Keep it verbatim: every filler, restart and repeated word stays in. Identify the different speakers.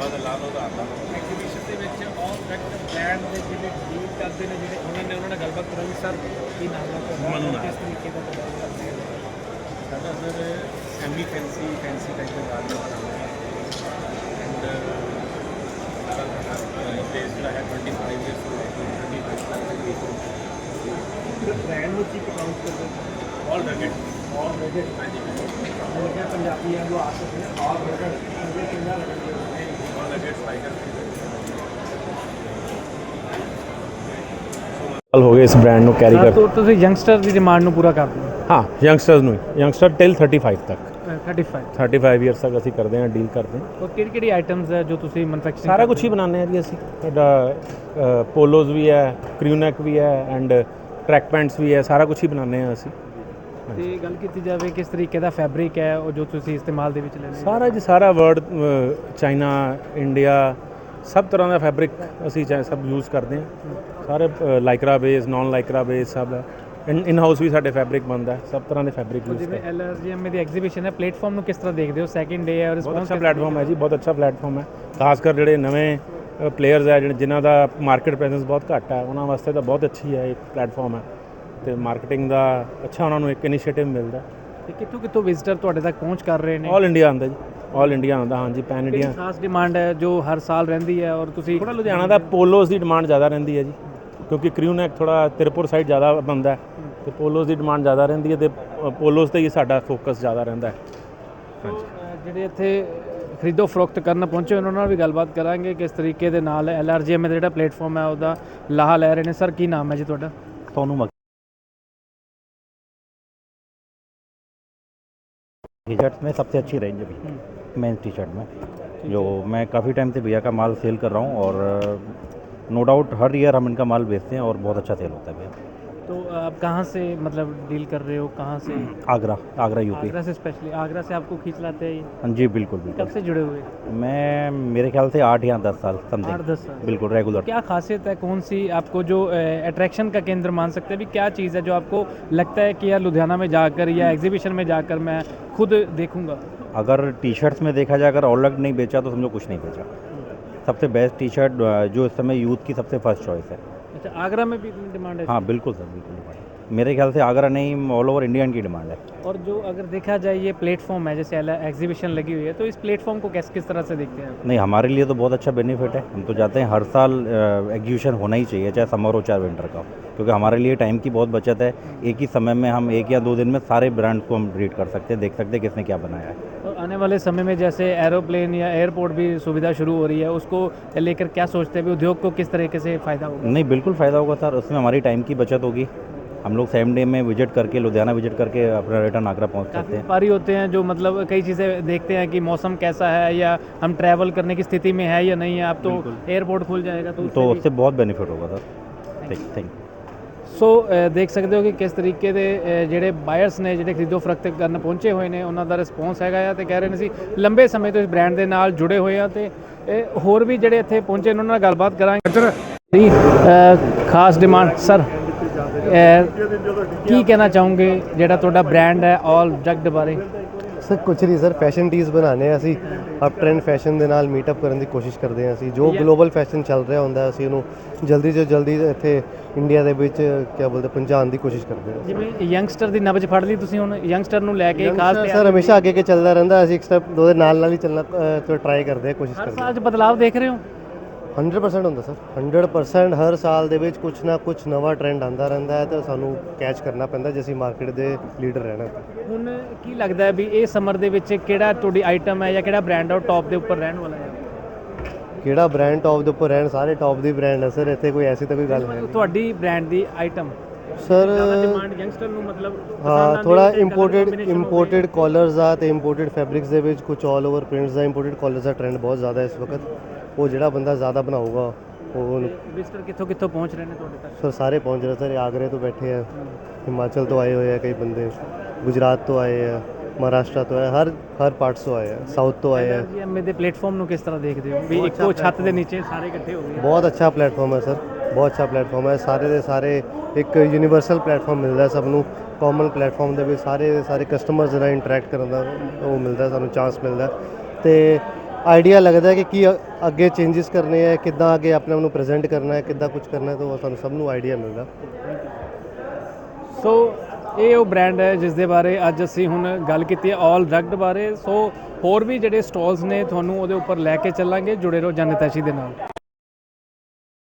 Speaker 1: Exhibition ਦੇ ਵਿੱਚ ਆਲ ਪ੍ਰੈਕਟ brand ਦੇ ਜਿਹੜੇ ਡੀਲ ਕਰਦੇ ਨੇ ਜਿਹੜੇ ਉਹਨਾਂ ਨੇ ਉਹਨਾਂ ਨਾਲ ਗੱਲਬਾਤ ਕਰਾਂਗੇ। ਸਰ ਕੀ ਨਾਮ ਹੈ ਤੁਹਾਡਾ, ਕਿਸ ਤਰੀਕੇ ਦਾ ਪ੍ਰੋਡਕਟ ਕਰਦੇ ਹੋ?
Speaker 2: ਸਾਡਾ sir semi fancy fancy type ਦਾ ਗਾਰਡਨ ਬਣਾਉਂਦੇ ਹਾਂ ਐਂਡ ਪਲੇਸ ਜਿਹੜਾ ਹੈ ਟਵੈਂਟੀ ਫਾਈਵ ਈਅਰਸ ਤੋਂ ਲੈ ਕੇ ਥਰਟੀ ਫਾਈਵ ਤੱਕ
Speaker 1: ਬ੍ਰਾਂਡ ਨੂੰ ਕੀ ਕਾਊਂਟ ਕਰਦੇ ਹੋ?
Speaker 2: ਆਲ ਰੈਗੇਟ
Speaker 1: ਆਲ ਰੈਗੇਟ
Speaker 2: ਹਾਂਜੀ
Speaker 1: ਜਿਹੜੇ ਪੰਜਾਬੀਆਂ ਨੂੰ ਆਦਤ ਹੈ ਆਲ ਰੈਗੇਟ ਇਹ ਕਿੰਨਾ ਲੱਗਦਾ ਹੈ?
Speaker 2: ਆਲ ਰੈਗੇਟ ਸਪਾਈਕਰ
Speaker 3: ਸਾਲ ਹੋ ਗਏ ਇਸ ਬ੍ਰਾਂਡ ਨੂੰ ਕੈਰੀ
Speaker 1: ਸਰ
Speaker 3: ਕਰ।
Speaker 1: ਤੋਂ ਤੁਸੀਂ ਯੰਗਸਟਰ ਦੀ ਡਿਮਾਂਡ ਨੂੰ ਪੂਰਾ ਕਰਦੇ ਹੋ?
Speaker 3: ਹਾਂ, ਯੰਗਸਟਰਸ ਨੂੰ ਯੰਗਸਟਰ ਟਿਲ ਥਰਟੀ ਫਾਈਵ ਤੱਕ
Speaker 1: thirty five
Speaker 3: thirty five years ਤੱਕ ਅਸੀਂ ਕਰਦੇ ਹਾਂ, ਡੀਲ ਕਰਦੇ ਹਾਂ।
Speaker 1: ਔਰ ਕਿਹੜੀ ਕਿਹੜੀ ਆਈਟਮਸ ਹੈ ਜੋ ਤੁਸੀਂ ਮੈਨੂਫੈਕਚਰਿੰਗ?
Speaker 3: ਸਾਰਾ ਕੁਝ ਹੀ ਬਣਾਉਂਦੇ ਹਾਂ ਜੀ ਅਸੀਂ। ਸਾਡਾ ਪੋਲੋਜ਼ ਵੀ ਹੈ, ਕ੍ਰਿਊਨੈਕ ਵੀ ਹੈ ਐਂਡ ਟਰੈਕ ਪੈਂਟਸ ਵੀ ਹੈ, ਸਾਰਾ ਕੁਝ ਹੀ ਬਣਾਉਂਦੇ ਹਾਂ ਅਸੀਂ।
Speaker 1: ਤੇ ਗੱਲ ਕੀਤੀ ਜਾਵੇ ਕਿਸ ਤਰੀਕੇ ਦਾ ਫੈਬਰਿਕ ਹੈ ਉਹ ਜੋ ਤੁਸੀਂ ਇਸਤੇਮਾਲ ਦੇ ਵਿੱਚ ਲੈਂਦੇ ਹੋ?
Speaker 3: ਸਾਰਾ ਜੀ ਸਾਰਾ ਵਰਲਡ, ਚਾਈਨਾ, ਇੰਡੀਆ, ਸਭ ਤਰ੍ਹਾਂ ਦਾ ਫੈਬਰਿਕ ਅਸੀਂ ਚਾਹੇ ਸਭ ਯੂਜ਼ ਕਰਦੇ ਹਾਂ। ਸਾਰੇ lycra base, non lycra base ਸਭ ਹੈ। ਇਨ ਹਾਊਸ ਵੀ ਸਾਡੇ ਫੈਬਰਿਕ ਬਣਦਾ, ਸਭ ਤਰ੍ਹਾਂ ਦੇ ਫੈਬਰਿਕ ਯੂਜ਼
Speaker 1: ਜਿਵੇਂ
Speaker 3: ਕਰਦੇ।
Speaker 1: ਐਲ ਆਰ ਜੀ ਐਮ ਦੀ ਐਗਜ਼ੀਬਿਸ਼ਨ ਹੈ, ਪਲੇਟਫਾਰਮ ਨੂੰ ਕਿਸ ਤਰ੍ਹਾਂ ਦੇਖਦੇ ਹੋ? ਸੈਕਿੰਡ ਡੇ ਹੈ ਔਰ
Speaker 3: ਬਹੁਤ ਅੱਛਾ ਪਲੇਟਫਾਰਮ ਹੈ ਜੀ, ਬਹੁਤ ਅੱਛਾ ਪਲੇਟਫਾਰਮ ਹੈ। ਖਾਸ ਕਰ ਜਿਹੜੇ ਨਵੇਂ ਪਲੇਅਰਸ ਹੈ, ਜਿਹੜੇ ਜਿਨ੍ਹਾਂ ਦਾ ਮਾਰਕੀਟ ਪ੍ਰੈਜ਼ੈਂਸ ਬਹੁਤ ਘੱਟ ਹੈ, ਉਹਨਾਂ ਵਾਸਤੇ ਤਾਂ ਬਹੁਤ ਅੱਛੀ ਹੈ ਇਹ ਪਲੇਟਫਾਰਮ ਹੈ। ਤੇ ਮਾਰਕੀਟਿੰਗ ਦਾ ਅੱਛਾ ਉਹਨਾਂ ਨੂੰ ਇੱਕ ਇਨੀਸ਼ੀਏਟਿਵ ਮਿਲਦਾ।
Speaker 1: ਤੇ ਕਿੱਥੋਂ ਕਿੱਥੋਂ ਵਿਜ਼ਿਟਰ ਤੁਹਾਡੇ ਤੱਕ ਪਹੁੰਚ ਕਰ ਰਹੇ ਨੇ?
Speaker 3: ਆਲ ਇੰਡੀਆ ਆਉਂਦਾ ਜੀ, ਆਲ ਇੰਡੀਆ ਆਉਂਦਾ। ਹਾਂਜੀ, ਪੈਨ ਇੰਡੀਆ।
Speaker 1: ਕਿਹੜੀ ਖਾਸ ਡਿਮਾਂਡ ਹੈ ਜੋ ਹਰ ਸਾਲ ਰਹਿੰਦੀ ਹੈ? ਔਰ ਤੁਸੀਂ
Speaker 3: ਥੋੜਾ ਲੁਧਿਆਣਾ ਦਾ ਪੋਲੋਸ ਦੀ ਡਿਮਾਂਡ ਜ਼ਿਆਦਾ ਰਹਿੰਦੀ ਹੈ ਜੀ, ਕਿਉਂਕਿ ਕ੍ਰਿਊਨੈਕ ਥੋੜਾ ਤਿਰਪੁਰ ਸਾਈਡ ਜ਼ਿਆਦਾ ਬਣਦਾ ਤੇ ਪੋਲੋਸ ਦੀ ਡਿਮਾਂਡ ਜ਼ਿਆਦਾ ਰਹਿੰਦੀ ਹੈ ਤੇ ਪੋਲੋਸ ਤੇ ਹੀ ਸਾਡਾ ਫੋਕਸ ਜ਼ਿਆਦਾ ਰਹਿੰਦਾ ਹੈ। ਹਾਂਜੀ,
Speaker 1: ਜਿਹੜੇ ਇੱਥੇ ਖਰੀਦੋ ਫਰੋਖਤ ਕਰਨ ਪਹੁੰਚੇ ਉਹਨਾਂ ਨਾਲ ਵੀ ਗੱਲਬਾਤ ਕਰਾਂਗੇ ਕਿਸ ਤਰੀਕੇ ਦੇ ਨਾਲ ਐਲ ਆਰ ਜੀ ਐਮ ਦਾ ਜਿਹੜਾ ਪਲੇਟਫਾਰਮ ਹੈ ਉਹਦਾ ਲਾਹਾ ਲੈ ਰਹੇ ਨੇ। ਸਰ ਕੀ ਨਾਮ ਹੈ ਜੀ ਤੁਹਾਡਾ?
Speaker 4: सोनू टी शर्ट में सबसे अच्छी रेंज अभी मेंस टी शर्ट में जो मैं काफ़ी टाइम से भैया का माल सेल कर रहा हूँ और नो डाउट हर ईयर हम इनका माल बेचते हैं और बहुत अच्छा सेल होता है भैया।
Speaker 1: तो आप कहाँ से मतलब डील कर रहे हो, कहाँ से?
Speaker 4: आगरा, आगरा यूपी।
Speaker 1: आगरा से स्पेशली? आगरा से आपको खींच लाते हैं ये?
Speaker 4: हाँ जी, बिल्कुल बिल्कुल।
Speaker 1: कब से जुड़े हुए?
Speaker 4: मैं मेरे ख्याल से आठ या दस साल
Speaker 1: आठ
Speaker 4: समथिंग।
Speaker 1: दस साल
Speaker 4: बिल्कुल रेगुलर।
Speaker 1: क्या खासियत है, कौन सी आपको जो अट्रैक्शन का केंद्र मान सकते हैं भी? क्या चीज़ है जो आपको लगता है कि यार लुधियाना में जाकर या एग्जीबिशन में जाकर मैं खुद देखूंगा?
Speaker 4: अगर टी शर्ट्स में देखा जाए, अगर ऑलरेडी नहीं बेचा तो समझो कुछ नहीं बेचा। सबसे बेस्ट टी शर्ट जो इस समय यूथ की सबसे फर्स्ट चॉइस है।
Speaker 1: अच्छा, आगरा में भी इतनी डिमांड है?
Speaker 4: हाँ बिल्कुल सर, बिल्कुल डिमांड है। मेरे ख्याल से आगरा नहीं, ऑल ओवर इंडिया की डिमांड है।
Speaker 1: और जो अगर देखा जाए ये प्लेटफॉर्म है, जैसे एग्जीबिशन लगी हुई है, तो इस प्लेटफॉर्म को किस किस तरह से देखते हैं आप?
Speaker 4: नहीं, हमारे लिए तो बहुत अच्छा बेनिफिट है। हम तो चाहते हैं हर साल एग्जीबिशन होना ही चाहिए, चाहे समर हो चाहे विंटर का, क्योंकि हमारे लिए टाइम की बहुत बचत है। एक ही समय में हम एक या दो दिन में सारे ब्रांड्स को हम रीड कर सकते हैं, देख सकते हैं किसने क्या बनाया है।
Speaker 1: और आने वाले समय में जैसे एरोप्लेन या एयरपोर्ट भी सुविधा शुरू हो रही है, उसको लेकर क्या सोचते हैं भी? उद्योग को किस तरीके से फ़ायदा होगा?
Speaker 4: नहीं, बिल्कुल फ़ायदा होगा सर, उसमें हमारी टाइम की बचत होगी। हम लोग सेम डे में विजिट करके, लुधियाना विजिट करके अपना रिटर्न आगरा पहुंच सकते
Speaker 1: काफ़ी
Speaker 4: हैं।
Speaker 1: व्यापारी होते हैं जो मतलब कई चीज़ें देखते हैं कि मौसम कैसा है या हम ट्रैवल करने की स्थिति में है या नहीं है। आप तो एयरपोर्ट खुल जाएगा तो
Speaker 4: तो
Speaker 1: उससे
Speaker 4: उससे बहुत बेनिफिट होगा सर। ठीक, थैंक यू।
Speaker 1: ਸੋ ਅ, ਦੇਖ ਸਕਦੇ ਹੋ ਕਿ ਕਿਸ ਤਰੀਕੇ ਦੇ ਅ, ਜਿਹੜੇ ਬਾਇਰਸ ਨੇ ਜਿਹੜੇ ਖਰੀਦੋ ਫਰੋਖਤ ਕਰਨ ਪਹੁੰਚੇ ਹੋਏ ਨੇ ਉਹਨਾਂ ਦਾ ਰਿਸਪੌਂਸ ਹੈਗਾ ਆ ਤੇ ਕਹਿ ਰਹੇ ਨੇ ਸੀ ਲੰਬੇ ਸਮੇਂ ਤੋਂ ਇਸ ਬ੍ਰਾਂਡ ਦੇ ਨਾਲ ਜੁੜੇ ਹੋਏ ਆ ਤੇ ਇਹ ਹੋਰ ਵੀ ਜਿਹੜੇ ਇੱਥੇ ਪਹੁੰਚੇ ਨੇ ਉਹਨਾਂ ਨਾਲ ਗੱਲਬਾਤ ਕਰਾਂਗੇ। ਜੀ ਅ, ਖਾਸ ਡਿਮਾਂਡ ਸਰ ਕੀ ਕਹਿਣਾ ਚਾਹੋਗੇ ਜਿਹੜਾ ਤੁਹਾਡਾ ਬ੍ਰਾਂਡ ਹੈ ਆਲ ਜਗਡ ਬਾਰੇ?
Speaker 5: ਸਰ ਕੁਛ ਨਹੀਂ ਸਰ, ਫੈਸ਼ਨ ਟੀਜ਼ ਬਣਾਉਂਦੇ ਹਾਂ ਅਸੀਂ। ਅਪ ਟ੍ਰੈਂਡ ਫੈਸ਼ਨ ਦੇ ਨਾਲ ਮੀਟਅਪ ਕਰਨ ਦੀ ਕੋਸ਼ਿਸ਼ ਕਰਦੇ ਹਾਂ ਅਸੀਂ। ਜੋ ਗਲੋਬਲ ਫੈਸ਼ਨ ਚੱਲ ਰਿਹਾ ਹੁੰਦਾ ਅਸੀਂ ਉਹਨੂੰ ਜਲਦੀ ਤੋਂ ਜਲਦੀ ਇੱਥੇ ਇੰਡੀਆ ਦੇ ਵਿੱਚ ਕਿਆ ਬੋਲਦੇ ਪਹੁੰਚਾਉਣ ਦੀ ਕੋਸ਼ਿਸ਼ ਕਰਦੇ ਹਾਂ।
Speaker 1: ਜਿਵੇਂ ਯੰਗਸਟਰ ਦੀ ਨਬਜ਼ ਫੜ ਲਈ ਤੁਸੀਂ, ਹੁਣ ਯੰਗਸਟਰ ਨੂੰ ਲੈ ਕੇ ਖਾਸ
Speaker 5: ਸਰ ਹਮੇਸ਼ਾ ਅੱਗੇ ਅੱਗੇ ਚੱਲਦਾ ਰਹਿੰਦਾ, ਅਸੀਂ ਇੱਕ ਸਟੈਪ ਉਹਦੇ ਨਾਲ ਨਾਲ ਹੀ ਚੱਲਣਾ ਤੋਂ ਟਰਾਈ ਕਰਦੇ ਹਾਂ, ਕੋਸ਼ਿਸ਼
Speaker 1: ਹਰ
Speaker 5: ਕਰਦੇ
Speaker 1: ਸਾਲ 'ਚ ਬਦਲਾਵ ਦੇਖ ਰਹੇ ਹੋ?
Speaker 5: ਹੰਡਰਡ ਪਰਸੈਂਟ ਹੁੰਦਾ ਸਰ, ਹੰਡਰਡ ਪਰਸੈਂਟ ਹਰ ਸਾਲ ਦੇ ਵਿੱਚ ਕੁਛ ਨਾ ਕੁਛ ਨਵਾਂ ਟ੍ਰੈਂਡ ਆਉਂਦਾ ਰਹਿੰਦਾ ਹੈ ਤੇ ਸਾਨੂੰ ਕੈਚ ਕਰਨਾ ਪੈਂਦਾ ਜੇ ਅਸੀਂ ਮਾਰਕੀਟ ਦੇ ਲੀਡਰ ਰਹਿਣਾ।
Speaker 1: ਹੁਣ ਕੀ ਲੱਗਦਾ ਹੈ ਵੀ ਇਹ ਸਮਰ ਦੇ ਵਿੱਚ ਕਿਹੜਾ ਤੁਹਾਡੀ ਆਈਟਮ ਹੈ ਜਾਂ ਕਿਹੜਾ ਬ੍ਰਾਂਡ ਹੈ ਉਹ ਟੌਪ ਦੇ ਉੱਪਰ ਰਹਿਣ ਵਾਲਾ ਹੈ?
Speaker 5: ਕਿਹੜਾ ਬ੍ਰਾਂਡ ਟੌਪ ਦੇ ਉੱਪਰ ਰਹਿਣ? ਸਾਰੇ ਟੌਪ ਦੀ ਬ੍ਰਾਂਡ ਹੈ ਸਰ, ਇੱਥੇ ਕੋਈ ਐਸੀ ਤਾਂ ਕੋਈ ਗੱਲ ਹੈ
Speaker 1: ਤੁਹਾਡੀ ਬ੍ਰਾਂਡ ਦੀ ਆਈਟਮ
Speaker 5: ਸਰ।
Speaker 1: ਡਿਮਾਂਡ ਯੰਗਸਟਰ ਨੂੰ ਮਤਲਬ
Speaker 5: ਹਾਂ, ਥੋੜਾ ਇੰਪੋਰਟਡ ਇੰਪੋਰਟਡ ਕਾਲਰਸ ਆ ਤੇ ਇੰਪੋਰਟਡ ਫੈਬਰਿਕਸ ਦੇ ਵਿੱਚ ਕੁਝ ਆਲ ਓਵਰ ਪ੍ਰਿੰਟਸ ਦਾ ਇੰਪੋਰਟਡ ਕਾਲਰਸ ਦਾ ਟ੍ਰੈਂਡ ਬਹੁਤ ਜ਼ਿਆਦਾ ਇਸ ਵਕਤ। ਉਹ ਜਿਹੜਾ ਬੰਦਾ ਜ਼ਿਆਦਾ ਬਣਾਊਗਾ ਉਹ
Speaker 1: ਵਿਜ਼ਟਰ ਕਿੱਥੋਂ ਕਿੱਥੋਂ ਪਹੁੰਚ ਰਹੇ ਨੇ ਤੁਹਾਡੇ ਤੱਕ?
Speaker 5: ਸਰ ਸਾਰੇ ਪਹੁੰਚ ਰਹੇ ਸਰ, ਆਗਰੇ ਤੋਂ ਬੈਠੇ ਆ, ਹਿਮਾਚਲ ਤੋਂ ਆਏ ਹੋਏ ਆ ਕਈ ਬੰਦੇ, ਗੁਜਰਾਤ ਤੋਂ ਆਏ ਆ, ਮਹਾਰਾਸ਼ਟਰ ਤੋਂ ਆਏ, ਹਰ ਹਰ ਪਾਰਟਸ ਤੋਂ ਆਏ ਆ, ਸਾਊਥ ਤੋਂ ਆਏ ਆ।
Speaker 1: ਐਮਏ ਦੇ ਪਲੇਟਫਾਰਮ ਨੂੰ ਕਿਸ ਤਰ੍ਹਾਂ ਦੇਖਦੇ ਹੋ ਵੀ ਇੱਕੋ ਛੱਤ ਦੇ ਨੀਚੇ ਸਾਰੇ ਇਕੱਠੇ ਹੋ ਗਏ?
Speaker 5: ਬਹੁਤ ਅੱਛਾ ਪਲੇਟਫਾਰਮ ਹੈ ਸਰ, ਬਹੁਤ ਅੱਛਾ ਪਲੇਟਫਾਰਮ ਹੈ। ਸਾਰੇ ਦੇ ਸਾਰੇ ਇੱਕ ਯੂਨੀਵਰਸਲ ਪਲੇਟਫਾਰਮ ਮਿਲਦਾ ਸਭ ਨੂੰ, ਕਾਮਨ ਪਲੇਟਫਾਰਮ ਦੇ ਵਿੱਚ ਸਾਰੇ ਦੇ ਸਾਰੇ ਕਸਟਮਰਸ ਨਾਲ ਇੰਟਰੈਕਟ ਕਰਨ ਦਾ ਉਹ ਮਿਲਦਾ, ਸਾਨੂੰ ਚਾਂਸ ਮਿਲਦਾ। ਤੇ ਆਈਡੀਆ ਲੱਗਦਾ ਹੈ ਕਿ ਕੀ ਅ- ਅੱਗੇ ਚੇਂਜਸ ਕਰਨੇ ਹੈ, ਕਿੱਦਾਂ ਅੱਗੇ ਆਪਣੇ ਆਪ ਨੂੰ ਪ੍ਰੈਜ਼ੈਂਟ ਕਰਨਾ ਹੈ, ਕਿੱਦਾਂ ਕੁਝ ਕਰਨਾ ਹੈ, ਤਾਂ ਉਹ ਸਾਨੂੰ ਸਭ ਨੂੰ ਆਈਡੀਆ ਮਿਲਦਾ।
Speaker 1: ਸੋ ਇਹ ਉਹ ਬ੍ਰਾਂਡ ਹੈ ਜਿਸ ਦੇ ਬਾਰੇ ਅੱਜ ਅਸੀਂ ਹੁਣ ਗੱਲ ਕੀਤੀ ਹੈ ਆਲ ਰਗਡ ਬਾਰੇ। ਸੋ ਹੋਰ ਵੀ ਜਿਹੜੇ ਸਟਾਲਸ ਨੇ ਤੁਹਾਨੂੰ ਉਹਦੇ ਉੱਪਰ ਲੈ ਕੇ ਚੱਲਾਂਗੇ। ਜੁੜੇ ਰਹੋ ਜਨਹਿਤੈਸ਼ੀ ਦੇ ਨਾਲ।